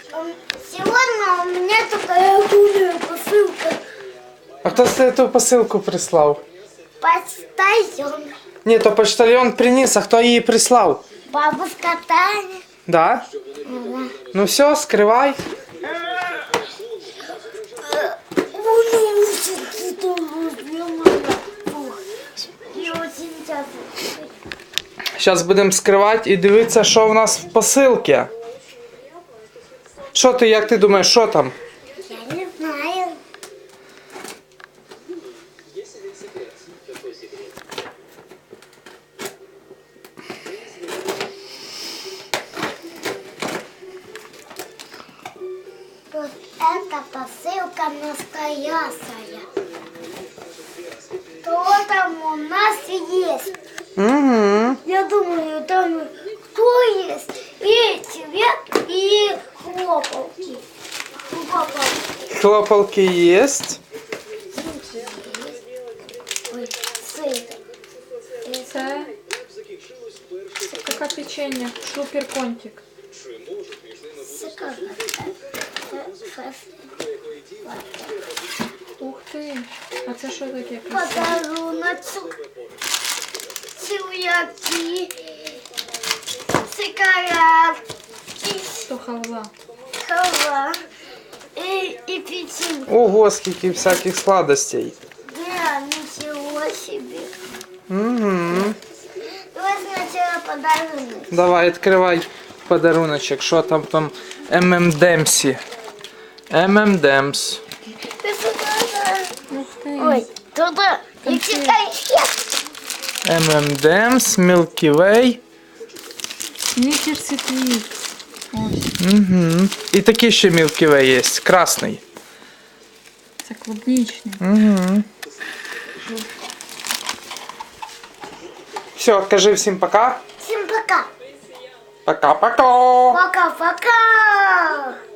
Сегодня у меня такая гулная посылка. А хто тебе ту посилку прислав? Почтальон. Ні, то почтальон приніс, а хто її прислав? Бабушка Таня. Да? Ну все, скривай. Зараз будемо скривати і дивитися, що в нас в посилці. Що ти, як ти думаєш, що там? Я не знаю. Вот эта посылка настоящая. Что там у нас есть? Угу. Я думаю, там кто есть? И цвет, и хлопалки. Хлопалки є. Ой, сыр. Це таке печення, шуперконтик. Ух ти, а це що таке? Подаруночок. Цвяки. Сигаретки. То халва. Халва. И печенье. Ого, скільки всяких сладостей. Да, ничего себе. Угу. Давай сначала подарунок. Давай, відкривай подаруночок. Що там ММДемсі. ММДемс. Ты сюда. Ух ти. Ой, туда. И конфет. ММДемс, Milky Way. Снікерс і твікс. Ось, Угу. І такий ще Milky Way є, красний. це клубнічний. Угу. Все, кажи всім пока. Всем пока. Пока-пока. Пока-пока.